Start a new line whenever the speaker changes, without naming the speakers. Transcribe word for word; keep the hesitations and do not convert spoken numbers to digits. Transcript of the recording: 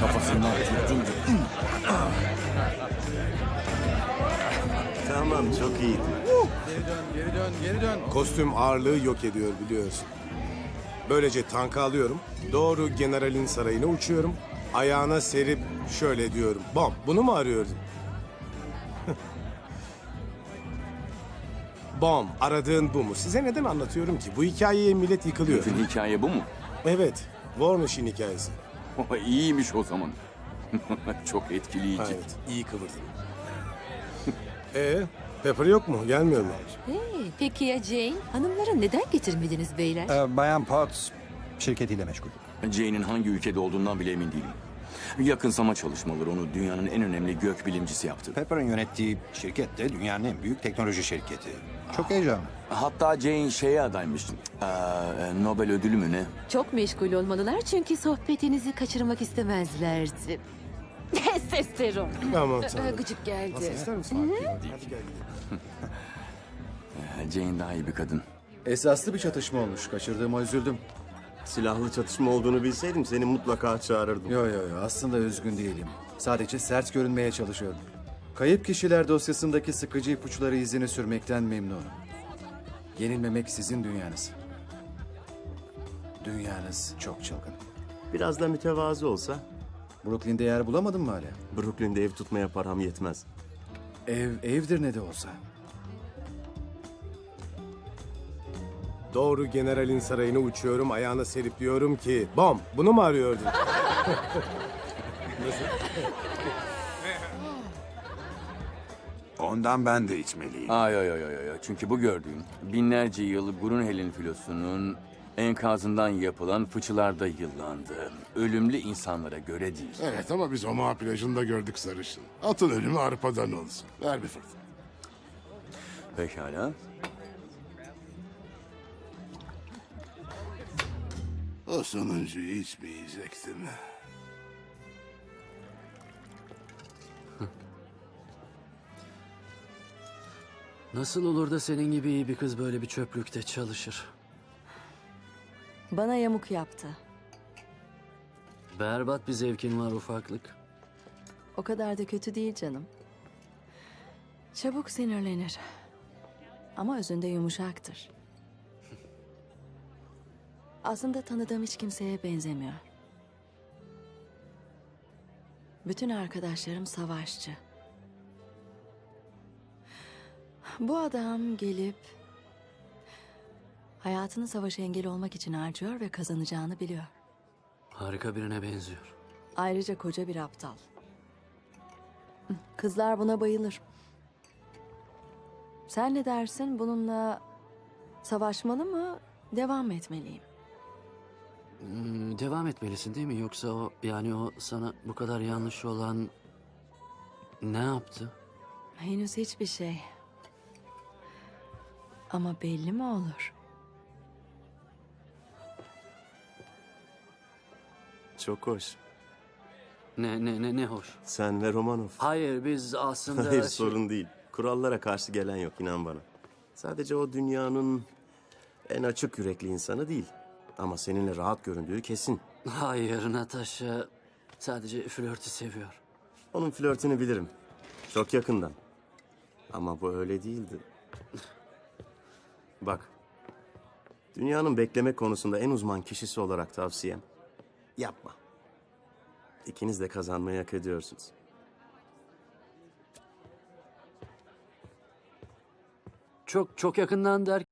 kafasından tuttum.
Tamam, çok iyiydi.
Geri dön, geri dön, geri dön.
Kostüm ağırlığı yok ediyor biliyorsun. Böylece tankı alıyorum. Doğru generalin sarayına uçuyorum. Ayağına serip şöyle diyorum. Bom, bunu mu arıyordun? Bom, aradığın bu mu? Size neden anlatıyorum ki? Bu hikayeye millet yıkılıyor.
Bütün hikaye bu mu?
Evet, War Machine hikayesi.
İyiymiş o zaman. Çok etkileyici.
Evet, iyi kıvırdın. Ee, Pepper yok mu? Gelmiyor mu?
Hey, peki ya Jane? Hanımları neden getirmediniz beyler?
Ee, Bayan Potts şirketiyle meşgul.
Jane'in hangi ülkede olduğundan bile emin değilim. Yakınsama çalışmaları onu dünyanın en önemli gök bilimcisi yaptı.
Pepper'ın yönettiği şirket de dünyanın en büyük teknoloji şirketi. Çok heyecanlı.
Hatta Jane şeye adaymış. Ee, Nobel ödülü mü ne?
Çok meşgul olmalılar çünkü sohbetinizi kaçırmak istemezlerdi. Testosteron.
Aman
Ee,
tanrım.
Gıcık geldi.
Nasıl ister misin? Hadi gel gidelim.
Ee, Jane daha iyi bir kadın.
Esaslı bir çatışma olmuş. Kaçırdığıma üzüldüm.
Silahlı çatışma olduğunu bilseydim seni mutlaka çağırırdım.
Yo yo yo, aslında üzgün değilim. Sadece sert görünmeye çalışıyorum. Kayıp kişiler dosyasındaki sıkıcı ipuçları izini sürmekten memnunum. Yenilmemek sizin dünyanız. Dünyanız çok çılgın.
Biraz da mütevazı olsa
Brooklyn'de yer bulamadın mı hala?
Brooklyn'de ev tutmaya param yetmez.
Ev, evdir ne de olsa.
Doğru generalin sarayına uçuyorum. Ayağına serip diyorum ki... Bom, bunu mu arıyordun?
Ondan ben de içmeliyim.
Ay ay ay ay ay. Çünkü bu gördüğüm binlerce yıl Grunhel'in filosunun enkazından yapılan fıçılarda yıllandı. Ölümlü insanlara göre değil.
Evet ama biz Omaha plajında gördük sarışın. Atın ölümü arpadan olsun. Ver bir fırt.
Pekala.
O sonuncuyu içmeyecektim.
Nasıl olur da senin gibi iyi bir kız böyle bir çöplükte çalışır?
Bana yamuk yaptı.
Berbat bir zevkin var ufaklık.
O kadar da kötü değil canım. Çabuk sinirlenir. Ama özünde yumuşaktır. Aslında tanıdığım hiç kimseye benzemiyor. Bütün arkadaşlarım savaşçı. Bu adam gelip hayatını savaşa engel olmak için harcıyor ve kazanacağını biliyor.
Harika birine benziyor.
Ayrıca koca bir aptal. Kızlar buna bayılır. Sen ne dersin? Bununla savaşmalı mı, devam etmeliyim?
Hmm, devam etmelisin değil mi? Yoksa o, yani o sana bu kadar yanlış olan ne yaptı?
Henüz hiçbir şey. Ama belli mi olur?
Çok hoş.
Ne ne ne ne hoş.
Sen ve Romanov.
Hayır biz aslında...
Hayır
şey-
sorun değil. Kurallara karşı gelen yok inan bana. Sadece o dünyanın en açık yürekli insanı değil. Ama seninle rahat göründüğü kesin.
Hayır Natasha sadece flörtü seviyor.
Onun flörtünü bilirim. Çok yakından. Ama bu öyle değildi. Bak. Dünyanın bekleme konusunda en uzman kişisi olarak tavsiyem. Yapma. İkiniz de kazanmayı hak ediyorsunuz.
Çok çok yakından der